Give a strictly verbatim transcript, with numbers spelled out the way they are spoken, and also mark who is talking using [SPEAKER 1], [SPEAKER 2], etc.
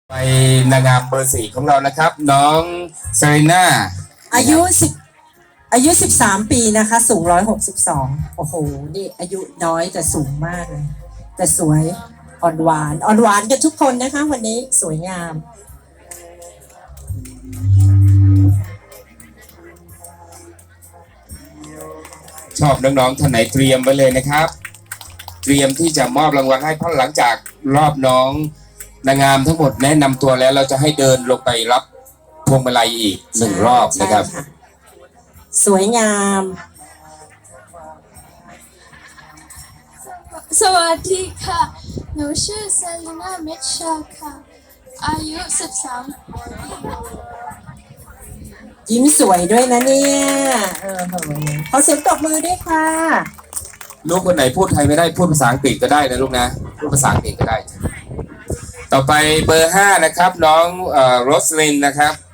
[SPEAKER 1] ไปนางงามเบอร์สี่ของเรานะครับ น้องเซรีน่า
[SPEAKER 2] อายุสิบอายุสิบสามปีนะคะสูงร้อยหกสิบสองโอ้โหนี่อายุน้อยแต่สูงมากเลยแต่สวยอ่อนหวานอ่อนหวานกันทุกคนนะคะวันนี้สวยงาม
[SPEAKER 1] ชอบน้องๆท่านไหนเตรียมไว้เลยนะครับ เตรียมที่จะมอบรางวัลให้เพราะหลังจากรอบน้องนางงามทั้งหมดแนะนำตัวแล้วเราจะให้เดินลงไปรับพวงมาลัยอีกหนึ่งรอบนะครับ
[SPEAKER 2] สวยงาม
[SPEAKER 3] สวัสดีค่ะหนูชื่อเซรีน่าเมชชาค่ะอายุสิบสาม
[SPEAKER 2] ยิ้มสวยด้วยนะเนี่ยเออขอเสียงตบมือด้วยค่ะ
[SPEAKER 1] ลูกคนไหนพูดไทยไม่ได้พูดภาษาอังกฤษก็ได้นะลูกนะพูดภาษาอังกฤษก็ได้ต่อไปเบอร์ห้านะครับน้องเอ่อโรสลินนะครับ